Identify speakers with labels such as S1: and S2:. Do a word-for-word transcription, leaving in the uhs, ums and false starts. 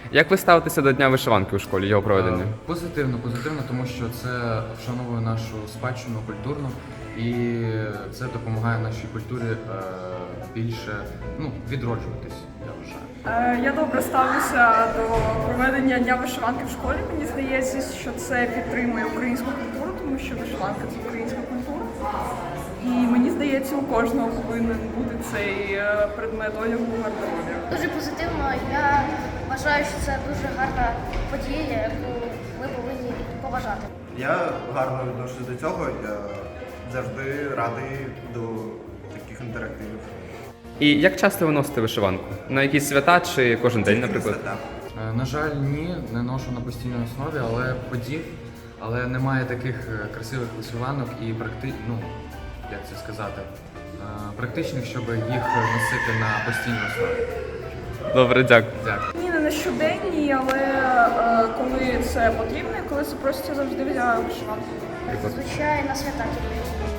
S1: Як ви ставитеся до Дня вишиванки у школі, його проведення?
S2: Е, Позитивно, позитивно, тому що це вшановує нашу спадщину культурну і це допомагає нашій культурі е, більше ну, відроджуватись, я вважаю.
S3: Е, Я добре ставлюся до проведення Дня вишиванки в школі. Мені здається, що це підтримує українську культуру, тому що вишиванка – це українська культура. І мені здається, у кожного повинен бути цей е, предмет одягу в гардеробі.
S4: Дуже позитивно. Я вважаю, що це дуже гарна подія, яку ми повинні поважати.
S5: Я гарно відношусь до цього, я завжди радий до таких інтерактивів.
S1: І як часто ви носите вишиванку? На якісь свята чи кожен день, наприклад?
S5: Красота.
S2: Е, На жаль, ні, не ношу на постійній основі, але подів, але немає таких е, красивих вишиванок і практи... ну, як це сказати, е, практичних, щоб їх носити на постійній основі.
S1: Добре, дякую.
S2: Дякую.
S3: Ні, не на щоденній, але е, коли це потрібно, і коли це просто завжди взяла вишиванку.
S4: Зазвичай на свята тільки.